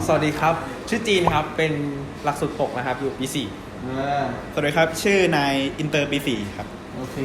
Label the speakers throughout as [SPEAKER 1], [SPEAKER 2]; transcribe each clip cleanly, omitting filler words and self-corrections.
[SPEAKER 1] สวัสดีครับชื่อจีนครับเป็นหลักสูตร6นะครับอยู่ปี4
[SPEAKER 2] สวัสดีครับชื่อนายอินเตอร์ปี4ครับ
[SPEAKER 3] โอเค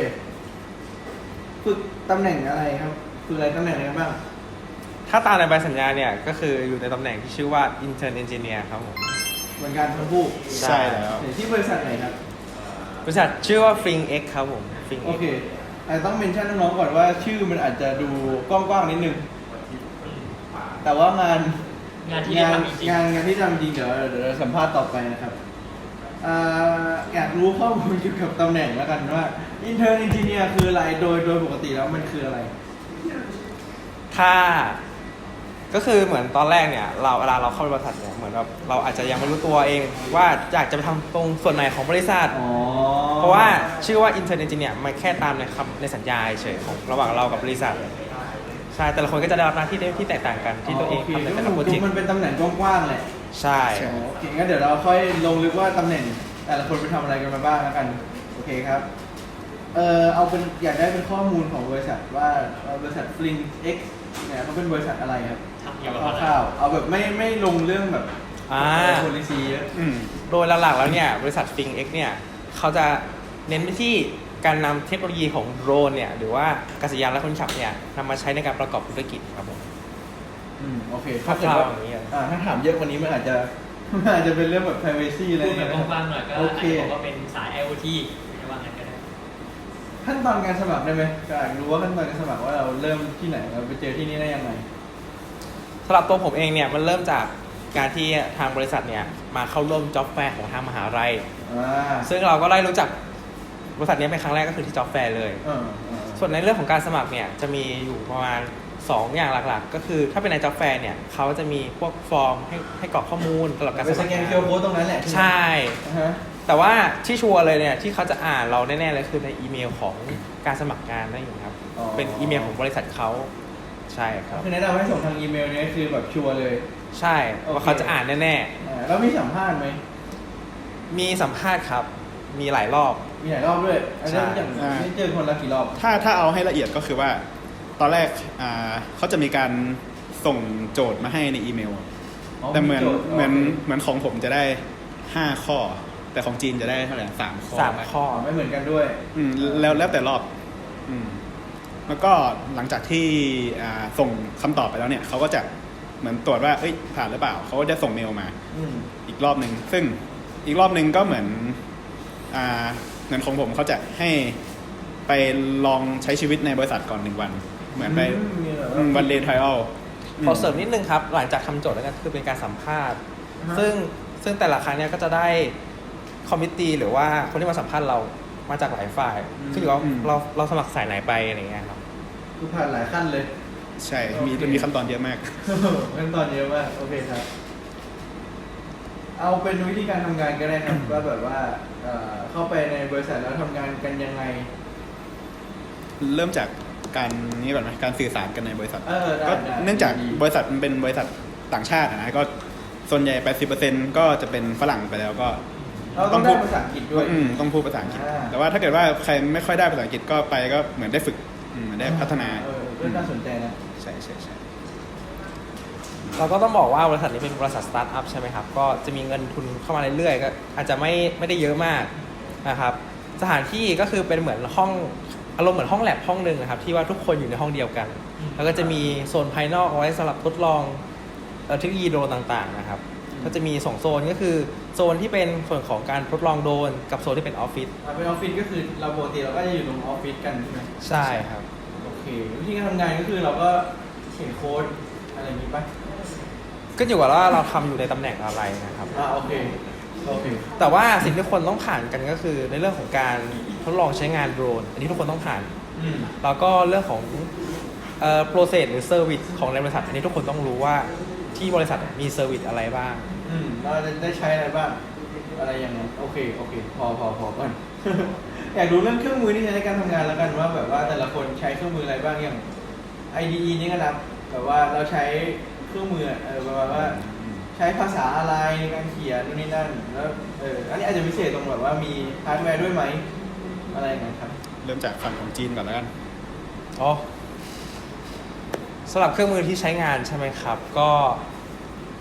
[SPEAKER 3] ฝึกตำแหน่งอะไรครับฝึกอะไรตำแหน่งอะไรบ้าง
[SPEAKER 1] ถ้าตามในใบสัญญาเนี่ยก็คืออยู่ในตำแหน่งที่ชื่อว่า Intern Engineer ครับผม
[SPEAKER 3] เหมือนกันทั้งคู่
[SPEAKER 2] ใช่แล้ว
[SPEAKER 3] ที่บริษัทไหนครับ
[SPEAKER 1] บริษัทชื่อว่า Fing X ครับผม Fing
[SPEAKER 3] โอ
[SPEAKER 1] X
[SPEAKER 3] เคแต่ต้องเมนชั่นน้องๆก่อนว่าชื่อมันอาจจะดูกว้างๆนิดนึงแต่ว่างานที่ทำจริงงานที่ทำจริงเดี๋ยวเราสัมภาษณ์ต่อไปนะครับอยากรู้ข้อมูลเกี่ยวกับตำแหน่งแล้วกันว่า Intern Engineer คืออะไรโดยปกติแล้วมันคืออะไร
[SPEAKER 1] ถ้าก็คือเหมือนตอนแรกเนี่ยเวลาเราเข้าบริษัทเนี่ยเหมือนแบบเราอาจจะยังไม่รู้ตัวเองว่าอยากจะไปทำตรงส่วนไหนของบริษัทเพราะว่าชื่อว่า Intern Engineer มันแค่ตามในสัญญาเฉยของระหว่างเรากับบริษัทใช่แต่ละคนก็จะได้รับหน้าที่ที่แตกต่างกันที่ตัวเองทำในแต่ละโปรเจกต์
[SPEAKER 3] มันเป็นตำแหน่งกว้างๆแหละ
[SPEAKER 1] ใช่
[SPEAKER 3] โอเคงั้นเดี๋ยวเราค่อยลงลึกว่าตำแหน่งแต่ละคนไปทำอะไรกันมาบ้างแล้วกันโอเคครับเอาเป็นอยากได้เป็นข้อมูลของบริษัทว่าบริษัท Fling X เนี่ยเขาเป็นบริษัทอะไรครับคร่าวๆเอาแบบไม่ลงเรื่องแบบpolicy เยอะ
[SPEAKER 1] โดยหลักๆแล้วเนี่ยบริษัท Fling X เนี่ยเขาจะเน้นไปที่การนำเทคโนโลยีของโดรนเนี่ยหรือว่าอากาศยานและคนขับเนี่ยนำมาใช้ในการประกอบธุรกิจครับผม
[SPEAKER 3] โอเคถ้าถามเยอะกว่านี้มันอาจจะเป็นเรื่องแบบ privacy อะไร
[SPEAKER 4] พูดแบบกว้างๆหน่อยก็อาจจะบอกว่าเป็นสาย IoT ไม่ว่างั้นก็ได้
[SPEAKER 3] ขั้นตอนการสมัครได้ไหมอยากรู้ว่าขั้นตอนการสมัครว่าเราเริ่มที่ไหนเราไปเจอที่นี่ได้ยังไง
[SPEAKER 1] สำหรับตัวผมเองเนี่ยมันเริ่มจากการที่ทางบริษัทเนี่ยมาเข้าร่วมจ็อบแฟร์ของทางมหาลัยซึ่งเราก็ได้รู้จักบริษัทนี้เป็นครั้งแรกก็คือที่จ็อบแฟร์เลยส่วนในเรื่องของการสมัครเนี่ยจะมีอยู่ประมาณ2อย่างหลักๆก็คือถ้าเป็นในจ็อบแฟร์เนี่ยเขาจะมีพวกฟอร์มให้กรอกข้อมูลสำหรับการสมัคร
[SPEAKER 3] สแกน QR Code ตรงนั้นแหละ
[SPEAKER 1] ใช่แต่ว่าที่ชัวร์เลยเนี่ยที่เขาจะอ่านเราแน่ๆเลยคือในอีเมลของการสมัครงานนั่นเองครับเป็นอีเมลของบริษัทเขาใช่ครับ
[SPEAKER 3] คือแนะนำให้ส่งทางอีเมลนี้คือแบบชัวร์เลย
[SPEAKER 1] ใช่ว่าเขาจะอ่านแน่
[SPEAKER 3] ๆแล้วมีสัมภาษณ์ไหม
[SPEAKER 1] มีสัมภาษณ์ครับมีหลายรอบ
[SPEAKER 3] ด้วยอันนี้อย่างนี้เจอคนละกี่รอบ
[SPEAKER 2] ถ้าเอาให้ละเอียดก็คือว่าตอนแรกเขาจะมีการส่งโจทย์มาให้ในอีเมลแต่เหมือนของผมจะได้5ข้อแต่ของจีนจะได้เท่าไหร่3 ข้อ
[SPEAKER 3] ไม่เหมือนกันด้วย
[SPEAKER 2] แล้วแต่รอบแล้วก็หลังจากที่ส่งคำตอบไปแล้วเนี่ยเขาก็จะเหมือนตรวจว่าผ่านหรือเปล่าเขาก็จะส่งเมลมาอีกรอบนึงซึ่งอีกรอบนึงก็เหมือนของผมเขาจะให้ไปลองใช้ชีวิตในบริษัทก่อน1 วันเหมือนไปวันเดย์ไทรอัล
[SPEAKER 1] ขอเสริมนิดนึงครับหลังจากทำโจทย์แล้วก็คือเป็นการสัมภาษณ์ซึ่งแต่ละครั้งเนี่ยก็จะได้คอมมิตตี้หรือว่าคนที่มาสัมภาษณ์เรามาจากหลายฝ่ายขึ้นอยู่ว่าเราสมัครสายไหนไปอะไรเงี้ยครับ
[SPEAKER 3] คือผ่านหลายขั้นเลย
[SPEAKER 2] ใช่มีขั้นตอนเยอะมาก
[SPEAKER 3] ขั้นตอนเยอะมากโอเคครับเอาเป็นวิธีการทำงานก็ได้ครับว่าแบบว่าเข้าไปในบริษัทแล้วทำงานกันยังไง
[SPEAKER 2] เริ่มจากการนี้ก่อนไหมการสื่อสารกันในบริษัทก็เนื่องจากบริษัทมันเป็นบริษัทต่างชาตินะก็ส่วนใหญ่ 80% ก็จะเป็นฝรั่งไปแล้วก็
[SPEAKER 3] ต้องพูดภาษาอังกฤษด้วย
[SPEAKER 2] ต้องพูดภาษาอังกฤษแต่ว่าถ้าเกิดว่าใครไม่ค่อยได้ภาษาอังกฤษก็ไปก็เหมือนได้ฝึกเหมือนได้พัฒนา
[SPEAKER 3] น่าสนใจนะ
[SPEAKER 2] ใช่
[SPEAKER 1] เราก็ต้องบอกว่าบริษัทนี้เป็นบริษัทสตาร์ทอัพใช่ไหมครับก็จะมีเงินทุนเข้ามาเรื่อยๆก็อาจจะไม่ได้เยอะมากนะครับสถานที่ก็คือเป็นเหมือนห้องอารมณ์เหมือนห้องแลบห้องนึงนะครับที่ว่าทุกคนอยู่ในห้องเดียวกันแล้วก็จะมีโซนภายนอกเอาไว้สำหรับทดลองเทคโนโลยีโดรนต่างๆนะครับก็จะมี2โซนก็คือโซนที่เป็นส่วนของการทดลองโดรนกับโซนที่เป็นออฟฟิศ
[SPEAKER 3] เป็นออฟฟิศก็คือเราปกติเราก็จะอยู่ตรงออฟฟิศกันใช่ไหม
[SPEAKER 1] ใช่ครับ
[SPEAKER 3] โอเควิธีการทำงานก็คือเราก็เขียนโค้ดอะไรอย่างนี้ป่ะ
[SPEAKER 1] ก็อยู่กับว่าเราทำอยู่ในตำแหน่งอะไรนะครับ
[SPEAKER 3] โอเค
[SPEAKER 1] แต่ว่าสิ่งที่คนต้องผ่านกันก็คือในเรื่องของการทดลองใช้งานโดรนอันนี้ทุกคนต้องผ่านแล้วก็เรื่องของprocess หรือ service ของในบริษัทอันนี้ทุกคนต้องรู้ว่าที่บริษัทมี service อะไรบ้าง
[SPEAKER 3] เราจะได้ใช้อะไรบ้างอะไรอย่างนั้นโอเคพอก่อน อยากรู้เรื่องเครื่องมือที่ใช้ในการทำงานแล้วกันว่าแบบว่าแต่ละคนใช้เครื่องมืออะไรบ้างอย่าง IDE นี่ก็นับแบบว่าเราใช้เครื่องมือประมาณว่าใช้ภาษาอะไรในการเขียนนู่นนี่นั่นแล้วอันนี้อาจจะพิเศษตรงแบบว่ามีฮาร์ดแวร์ด้วยไหมอะไรอย่างเงี้ยครับ
[SPEAKER 2] เริ่มจากฝั่งของจีนก่อนแล้วกัน
[SPEAKER 1] สำหรับเครื่องมือที่ใช้งานใช่ไหมครับก็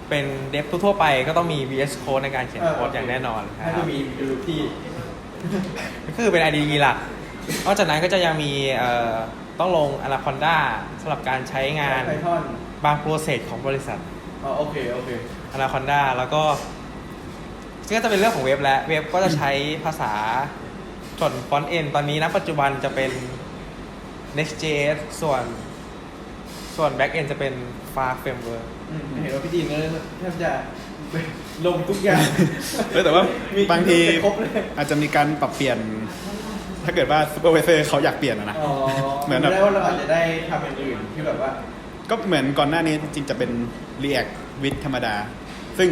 [SPEAKER 1] เป็นเดฟทั่วๆไปก็ต้องมี VS Code ในการเขียนโค้ดอย่างแน่นอนค
[SPEAKER 3] น่า
[SPEAKER 1] รั
[SPEAKER 3] จะ
[SPEAKER 1] บ
[SPEAKER 3] มีรูปที่
[SPEAKER 1] ก็คือเป็น IDE หลักนอกจากนั้นก็จะยังมีต้องลง Anaconda สำหรับการใช้งาน
[SPEAKER 3] Python
[SPEAKER 1] บางโปรเซสของบริษัท
[SPEAKER 3] อ๋อโอเค
[SPEAKER 1] Anaconda แล้วก็จะเป็นเรื่องของเว็บและเว็บก็จะใช้ภาษาส่วน Front End ตอนนี้ณปัจจุบันจะเป็น Next.js ส่วน Back End จะเป็น Fast Framework
[SPEAKER 3] เห็นว่าพี่ดีนก็แทบจะลงทุกอย่าง
[SPEAKER 2] แต่ว่าบางที
[SPEAKER 3] ครบเลย
[SPEAKER 2] อาจจะมีการปรับเปลี่ยน ถ้าเกิดว่าซูเปอร์ไวเซอร์เขาอยากเปลี่ยนนะ
[SPEAKER 3] อ๋อ
[SPEAKER 2] เหมือนแบบ
[SPEAKER 3] ได้ว่าเราอาจจะได้ทำอย่างอื่นที่แบบว่า
[SPEAKER 2] ก็เหมือนก่อนหน้านี้จริงๆจะเป็น React with ธรรมดา ซึ่ง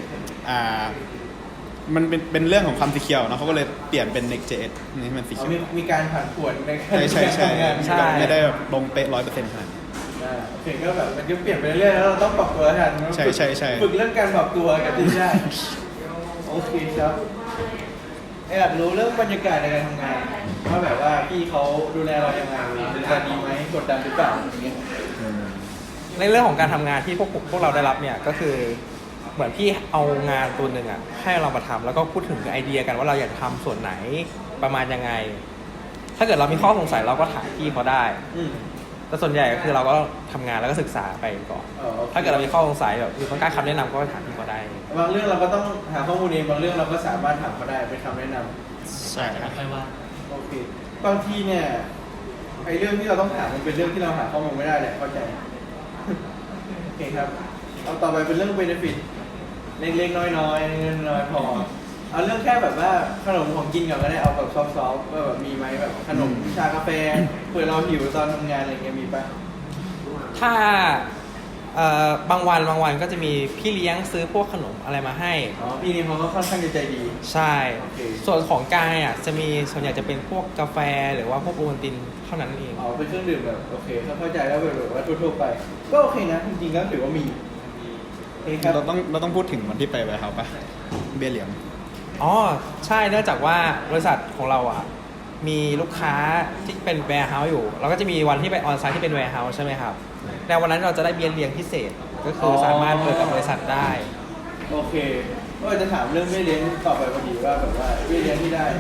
[SPEAKER 2] มันเป็นเรื่องของความสีเขียวเนาะเขาก็เลยเปลี่ยนเป็น Next.js นี่ให้มันสีเขียว
[SPEAKER 3] มีการผ่านผวนในการ
[SPEAKER 2] ใช่
[SPEAKER 3] ทำงาน
[SPEAKER 1] ใช่
[SPEAKER 2] ไม่ได้แบบลงเป๊ะ100%ขนาดนั้น
[SPEAKER 3] โอเคก็แบบมันก็เปลี่ยนไปเรื่อยๆแล้วเราต้องปรับตัวทัน
[SPEAKER 2] ใช่
[SPEAKER 3] ฝึกเรื่องการปรับตัวกับที่ได้โอเคครับอยากรู้เรื่องบรรยากาศในการทำงานว่าแบบว่าพี่เขาดูแลเรายังไงดูแลดีไหมกดดันหรือเปล่าอย่างเงี้ย
[SPEAKER 1] ในเรื่องของการทำงานที่พวกเราได้รับเนี่ยก็คือเหมือนพี่เอางานตัวหนึ่งอ่ะให้เรามาทำแล้วก็พูดถึงไอเดียกันว่าเราอยากทำส่วนไหนประมาณยังไง ถ้าเกิดเรามีข้อสงสัยเราก็ถามพี่เขาได้
[SPEAKER 3] อืม
[SPEAKER 1] แต่ส่วนใหญ่ก็คือเราก็ทำงานแล้วก็ศึกษาไปก่อน
[SPEAKER 3] โอค
[SPEAKER 1] ถ้าเกิดเรามีข้อสงสัยแบบคือต้องการคำแนะนำก็ถามพี่เขาได้
[SPEAKER 3] บางเรื่องเราก็ต้องหาข้อมูลเองบางเรื่องเราก็สามารถถามเขาได้เป็นคำแนะนำ
[SPEAKER 2] ใช่ครับ
[SPEAKER 4] ค่อยว่า
[SPEAKER 3] โอเคบางทีเนี่ยไอ้เรื่องที่เราต้องถามมันเป็นเรื่องที่เราหาข้อมูลไม่ได้แหละเข้าใจ โอเคครับเอาต่อไปเป็นเรื่อง benefit เล็กๆน้อยๆเงินน้อยพอเอาเรื่องแค่แบบว่าขนมของกินก่อนก็ได้เอาแบบซอฟต์ๆว่าแบบมีไหมแบบขนมชากาแฟเผื่อเราหิวตอนทำงานอะไรเงี้ยมีปะ
[SPEAKER 1] ถ้าบางวันก็จะมีพี่เลี้ยงซื้อพวกขนมอะไรมาให้
[SPEAKER 3] อ๋อพี่นี่เขาก็ค่อนข้างจะใจดี
[SPEAKER 1] ใช่
[SPEAKER 3] โอเค
[SPEAKER 1] ส่วนของกายอ่ะจะมีส่วนใหญ่จะเป็นพวกกาแฟหรือว่าพวกโอวัลตินเท่านั้นเอง
[SPEAKER 3] อ๋อเป็นเครื่องดื่มแบบโอเคเข้าใจแล้วแบบว่าทั่วๆไป ก็โอเคนะจริงๆก็ถือว่ามีโอเคครับ
[SPEAKER 2] เราต้องพูดถึงวันที่ไปไวท์เฮาส์ปะเบี้ยเหลียง
[SPEAKER 1] อ๋อใช่เนื่องจากว่าบริษัทของเราอ่ะมีลูกค้าที่เป็นแวร์เฮาส์อยู่เราก็จะมีวันที่ไปออนไซต์ที่เป็นแวร์เฮาส์ใช่ไหมครับในวันนั้นเราจะได้เบี้ยเลี้ยงพิเศษก็คือสามารถเปิดกับบริษัทได้
[SPEAKER 3] โอเคก็จะถามเรื่องเบี้ยเลี้ยงต่อไปพอดีว่าแบบว่าเบี้ยเลี้ยงที่ได้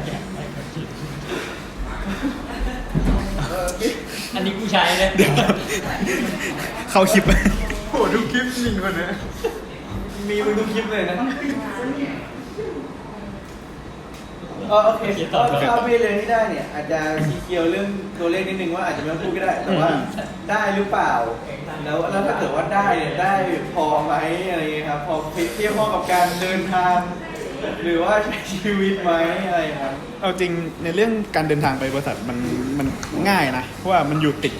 [SPEAKER 4] อันนี้กูใช้เลย
[SPEAKER 2] เดี๋ยว เข้าคลิป
[SPEAKER 3] โหทุกคลิปจริงคนนี้มีมึงทุกคลิปเลยนะโอเคถ้าเบี้ยเลี้ยงที่ได้เนี่ยอาจจะสีเขียวเรื่องตัวเลขนิดนึงว่าอาจจะไม่ต้องพูดก็ได้แต่ว่าได้หรือเปล่าแล้วถ้าเกิดว่าได้เนี่ยได้พอไหมอะไรเงี้ยครับพอเทียบข้อกับการเดินทางหรือว่าใช้ชีวิตไหมอะไรครับ
[SPEAKER 2] เอาจริงในเรื่องการเดินทางไปบริษัทมันง่ายนะเพราะว่ามันอยู่ติด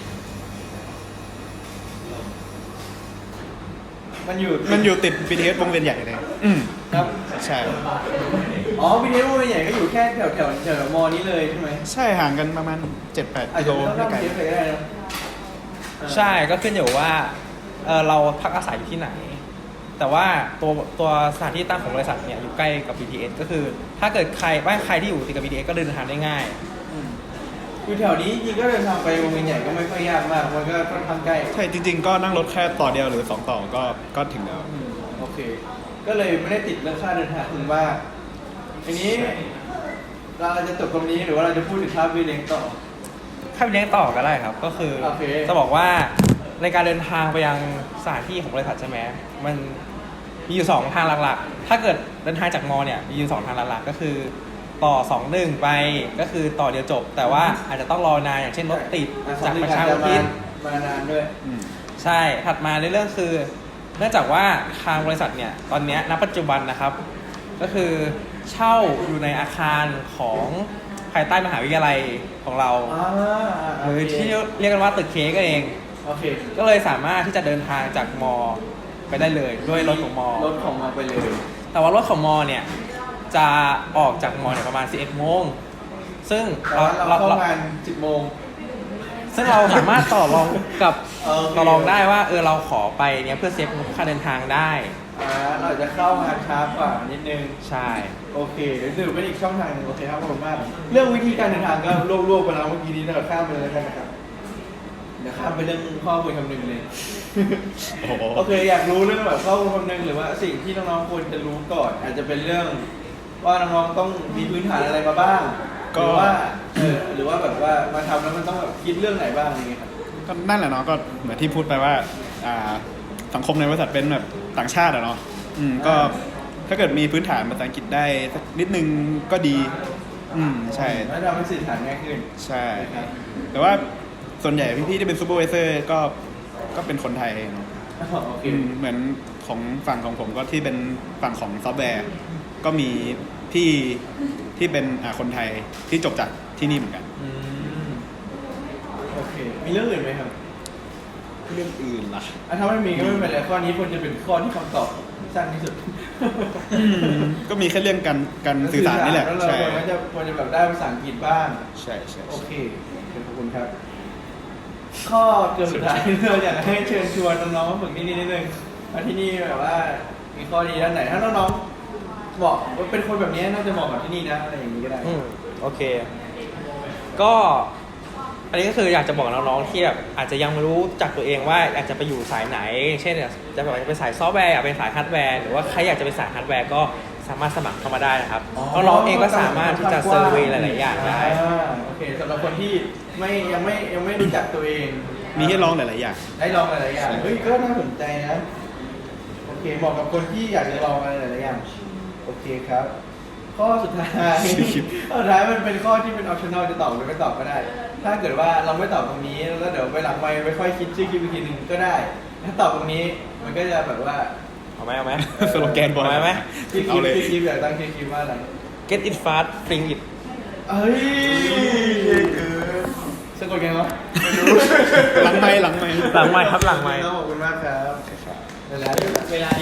[SPEAKER 3] มันอยู่
[SPEAKER 2] BTS วงเวียนใหญ่เลย
[SPEAKER 3] ครับ
[SPEAKER 2] ใช่
[SPEAKER 3] อ๋อวิดีโอใหญ่ก็อยู่แค่แถวมอนี้เลยใช่ไหม
[SPEAKER 2] ใช่ห่างกันประมาณ 7-8
[SPEAKER 3] อาจ
[SPEAKER 2] กิโล
[SPEAKER 3] จะไม่ต้อง
[SPEAKER 2] ไม่ไกล
[SPEAKER 3] ทำเทปเลยก็ได้นะ
[SPEAKER 1] ใช่ก็ขึ้นอยู่ว่าเราพักอาศัยอยู่ที่ไหน แต่ว่าตัวสถานที่ตั้งของบริษัทเนี่ยอยู่ใกล้กับ BTS ก็คือถ้าเกิดใครที่อยู่ติดกับ BTS ก็เดินทางได้ง่าย
[SPEAKER 3] อยู่แถวนี้จริงก็เดินทางไปวงเวียนใหญ่ก็ไม่ค่อยยากมากมันก็ค่อนข้างใกล้
[SPEAKER 2] ใช่จริงๆ ก็นั่งรถแค่ต่อเดียวหรือ2ต่อก็ถึงแล้ว
[SPEAKER 3] โอเค ก็เลยไม่ได้ติดเรื่องค่าเดินทางถึงว่าอันนี้เราจะจบตรงนี้หรือว่าเราจะพูดถึงค่าวิเลี้ยงต่อ
[SPEAKER 1] ถ้าไปเลี้ยงต่อก็ได้ครับ ก็คือ
[SPEAKER 3] โอเค
[SPEAKER 1] จะบอกว่าในการเดินทางไปยังสถานที่ของบริษัทใช่ไหมมันมีอยู่2ทางหลักๆ ถ้าเกิดเดินทางจากมอเนี่ยมีอยู่2ทางหลักๆก็คือต่อ2-1ไปก็คือต่อเดียวจบ แต่ว่าอาจจะต้องรอนานอย่างเช่นรถติดจากประชาอุทิศ
[SPEAKER 3] มานานด้วย
[SPEAKER 1] ใช่ถัดมาในเรื่องคือ เนื่องจากว่าทางบริษัทเนี่ยตอนเนี้ยณปัจจุบันนะครับ ก็คือเช่าอยู่ในอาคารของภายใต้มหาวิทยาลัยของเรา หรือที่เรียกกันว่าตึกเค้กเอง
[SPEAKER 3] โอเค
[SPEAKER 1] ก็เลยสามารถที่จะเดินทางจากมอไปได้เลยด้วยรถของมอ
[SPEAKER 3] รถของมาไปเลย
[SPEAKER 1] แต่ว่ารถของมอเนี่ยจะออกจากมอเนี่ยประมาณ 11 โมงซึ่ง
[SPEAKER 3] แต่ว่าเราเข้างาน 10 โมง
[SPEAKER 1] ซึ่งเราสามารถต่อรองกับ
[SPEAKER 3] โอเค
[SPEAKER 1] ต่อรองได้ว่าเราขอไปเนี่ยเพื่อเซฟค่าเดินทางได้
[SPEAKER 3] เราอาจจะเข้างานช้ากว่านิดนึง
[SPEAKER 1] ใช่
[SPEAKER 3] โอเคเดี๋ยวถือเป็นอีกช่องทางหนึงโอเคครับขอบคุณมาก เรื่องวิธีการเดินทางก็รวบๆไปแล้วเมื่อกี้นี้เราข้ามไปเลยแล้วกันนะครับเดี๋ยวข้ามไปเรื่องข้อมูลคำนึงเลย
[SPEAKER 2] โอ้โห
[SPEAKER 3] โอเคอยากรู้เรื่องแบบข้อมูลคำนึงหรือว่าสิ่งที่น้องๆควรจะรู้ก่อน อาจจะเป็นเรื่องว่าน้องๆต้องมีพื้นฐานอะไรมาบ้างหรือว่าหรือว่าแบบว่ามาทำแล้วมันต้องแบบคิดเรื่องไหนบ้างอย่างเงี้ยครับ
[SPEAKER 2] ก็นั่นแหละเนาะก็เหมือนที่พูดไปว่าสังคมในบริษัทเป็นแบบต่างชาติอะเนาะก็ถ้าเกิดมีพื้นฐานภาษาอังกฤษได้สักนิดนึงก็ดีใช่
[SPEAKER 3] แล้วทำให้สื่อสารง่ายขึ้น
[SPEAKER 2] ใช่แต่ว่าส่วนใหญ่พี่ๆที่เป็นซูเปอร์วิเซอร์ก็เป็นคนไทยเนาะ
[SPEAKER 3] โอเค
[SPEAKER 2] เหมือนของฝั่งของผมก็ที่เป็นฝั่งของซอฟต์แวร์ก็มีพี่ที่เป็นคนไทยที่จบจากที่นี่เหมือนกัน
[SPEAKER 3] โอเคมีเรื่องอื่นไหมครับ
[SPEAKER 2] เรื่องอื่นล่ะ
[SPEAKER 3] ถ้าไม่มีก็ไม่เป็นไรข้อนี้ควรจะเป็นข้อที่คำตอบสั้นที่สุด
[SPEAKER 2] ก็มีแค่เรื่องการสื่อสารนี่แหละ
[SPEAKER 3] แล้วเรา
[SPEAKER 2] ใช่
[SPEAKER 3] ควรจะแบบได้ภาษาอังกฤษบ้าง
[SPEAKER 2] ใช่ใช่
[SPEAKER 3] โอเคขอบคุณครับ ข้อเกือบสุดท้าย เราอยากให้เชิญชวนน้องๆมาฝึกที่นี่นิดนึงว่าที่นี่แบบว่ามีข้อดีด้านไหน ถ้าน้องๆบอกว่าเป็นคนแบบนี้น่าจะเหมาะกับที่นี่นะอะไรอย่างนี้ก็ได้
[SPEAKER 1] โอเค ก็อันนี้ก็คืออยากจะบอกน้องๆที่แบบอาจจะยังไม่รู้จักตัวเองว่าอยากจะไปอยู่สายไหน เช่นจะแบบจะเป็นสายซอฟต์แวร์อยากเป็นสายฮาร์ดแวร์หรือว่าใครอยากจะเป็นสายฮาร์ดแวร์ก็สามารถสมัครเข้ามาได้นะครับน้องๆเองก็สามารถที่จะเซอร์เวย์หลายๆอย่างได้
[SPEAKER 3] โอเคสำหรับคนที่ยังไม่รู้จักตัวเอง
[SPEAKER 2] มีให้ลองหลายๆอย่าง
[SPEAKER 3] ได้ลองหลายๆอย่างเฮ้ยก็น่าสนใจนะโอเคเหมาะกับคนที่อยากจะลองอะไรหลายๆอย่างโอเคครับ ข้อสุดท้ายข้อสุดท้ายมันเป็นข้อที่เป็น optional จะตอบหรือไม่ตอบก็ได้ ถ้าเกิดว่าเราไม่ตอบตรงนี้แล้วเดี๋ยวไปหลังไมค์ไปค่อยคิดชื่อคลิปอีกทีหนึ่งก็ได้ ถ้าตอบตรงนี้มันก็จะแบบว่า
[SPEAKER 1] เอาไหม
[SPEAKER 2] สโลแกนบอย
[SPEAKER 1] เอาไหม
[SPEAKER 3] คลิป
[SPEAKER 2] เอาเลย
[SPEAKER 3] อยากตั้งชื่อคลิปว่าอะไร
[SPEAKER 1] get it fast bring it
[SPEAKER 3] เอ้ยสะกดไงวะไม่รู้
[SPEAKER 2] หลังไมค์
[SPEAKER 1] หลังไมค์ครับหลังไมค์
[SPEAKER 3] ขอบคุณมากครับ
[SPEAKER 4] เวลา